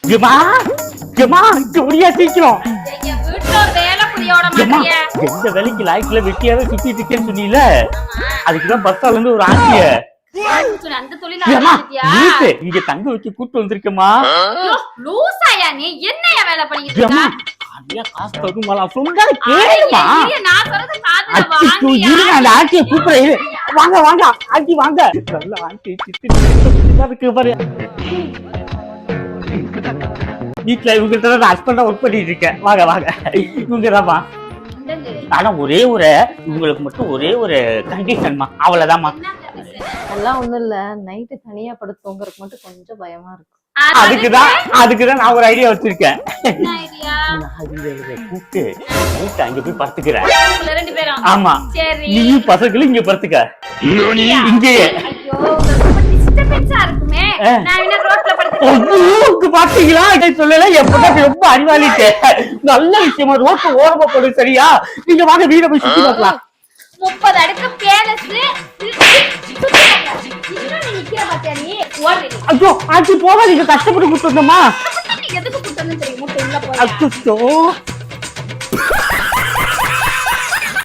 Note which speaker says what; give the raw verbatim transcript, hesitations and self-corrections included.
Speaker 1: ஏமா ஏமா ஜோடியா சீக்கிரம் எந்த வேலைக்கு லாய்க்குல வெட்டியாவே சுத்திட்டு இருக்கேன்னு சொன்னீல அதுக்குதான் பஸ்ஸால இருந்து ஒரு ஆண்டிய இங்க தங்க வச்சு கூட்டு வந்திருக்கமா காசு தருமாலா சொன்னா கேளுமா அந்த ஆண்டிய கூப்பிடுற வாங்க வாங்க ஆண்டி வாங்க நல்ல ஆண்டி இருக்கு பாரு வீட்டுல இவங்க ஹஸ்பண்டா ஒர்க் பண்ணிட்டு இருக்கேன் வாங்க வாங்க இவங்கதாம்மா ஆனா ஒரே ஒரு இவங்களுக்கு மட்டும் ஒரே ஒரு கண்டிஷன்மா அவ்வளவுதான்மா
Speaker 2: அதெல்லாம் ஒண்ணும் இல்ல நைட்டு தனியா படுத்து தூங்குறதுக்கு மட்டும் கொஞ்சம் பயமா இருக்கும்
Speaker 1: அதுக்குதான் அதுக்குதான் நான் ஒரு ஐடியா வச்சிருக்கேன் கூப்பிட்டு நைட்டு அங்க போய் படுத்துக்கிறேன் ஆமா நீயும் பசங்களும் இங்க படுத்துக்க இங்கேயே பாத்தீங்களா சொல்லல எப்பதான் ரொம்ப அறிவாளிட்டு நல்ல விஷயமா ரோட்டு ஓரமா போடு சரியா நீங்க வாங்க வீட போய் சுத்தி பார்க்கலாம்
Speaker 3: முப்பது அடுக்கு பேலஸ்
Speaker 1: ஐயோ ஆச்சு போவா நீங்க கஷ்டப்பட்டு கூட்டு வந்தோமா
Speaker 3: எதுக்கு கூட்டு வந்து தெரியும்
Speaker 1: அச்சோ